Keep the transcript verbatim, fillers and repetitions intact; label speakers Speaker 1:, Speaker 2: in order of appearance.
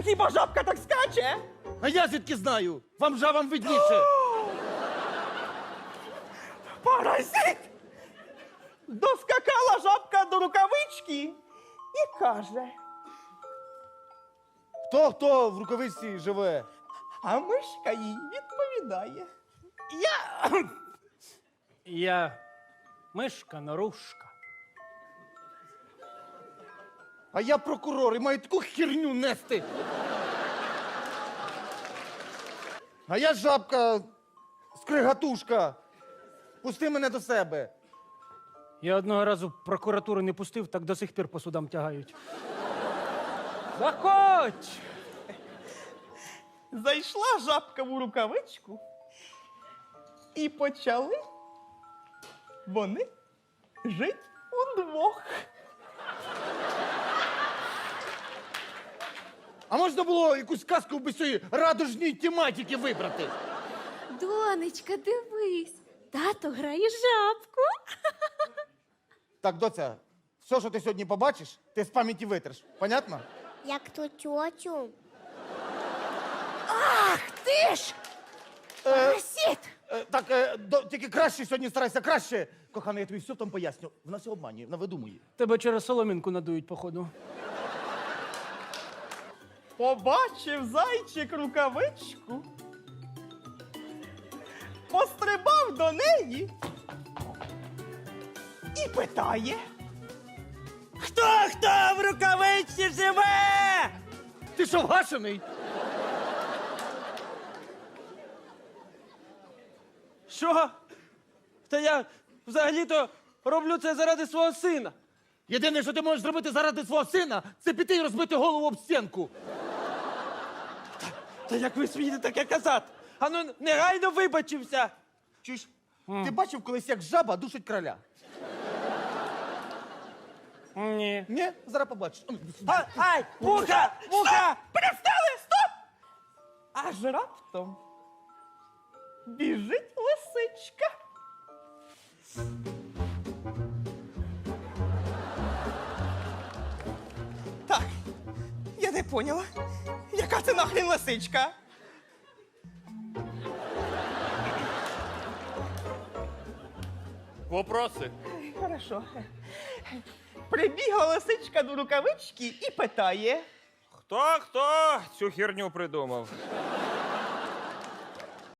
Speaker 1: Ну хіба жабка так скаче?
Speaker 2: А я звідки знаю? Вам жабам видніше.
Speaker 1: Паразит! Доскакала жабка до рукавички і каже:
Speaker 2: Хто хто в рукавичці живе?
Speaker 1: а мишка їй відповідає: я
Speaker 3: Я мишка нарушка.
Speaker 2: А я прокурор і маю таку херню нести. А я жабка, скригатушка. Пусти мене до себе.
Speaker 3: Я одного разу прокуратуру не пустив, так до сих пір по судам тягають. Заходь!
Speaker 1: Зайшла жабка в рукавичку, і почали вони жить удвох.
Speaker 2: А можна було якусь казку без цієї радужній тематики вибрати?
Speaker 4: Донечка, дивись, тато грає жабку.
Speaker 2: Так, доця, все, що ти сьогодні побачиш, ти з пам'яті витриш. Понятно?
Speaker 5: Як ту тьотю.
Speaker 4: Ах ти ж! Паразит!
Speaker 2: Е, так, е, до, тільки краще сьогодні старайся, краще. Кохана, я тобі все там поясню. Вона все обманює, вона видумує.
Speaker 3: Тебе через соломінку надують, походу.
Speaker 1: Побачив зайчик рукавичку, пострибав до неї і питає: хто хто в рукавичці живе?
Speaker 2: Ти що, вгашений?
Speaker 6: Що? Та я взагалі-то роблю це заради свого сина.
Speaker 2: Єдине, що ти можеш зробити заради свого сина, це піти і розбити голову об стінку.
Speaker 6: Та як ви смієте таке казати? Ану, негайно вибачився.
Speaker 2: Чуєш? Ти бачив колись, як жаба душить короля?
Speaker 3: Ні.
Speaker 2: Ні? Зараз побачиш.
Speaker 6: А, ай, муха, муха!
Speaker 1: Перестали, стоп! Аж раптом біжить лисичка. Так, я не поняла, яка це нахрен лисичка?
Speaker 7: Вопроси?
Speaker 1: Хорошо. Прибігла лисичка до рукавички і питає:
Speaker 7: Хто хто цю херню придумав?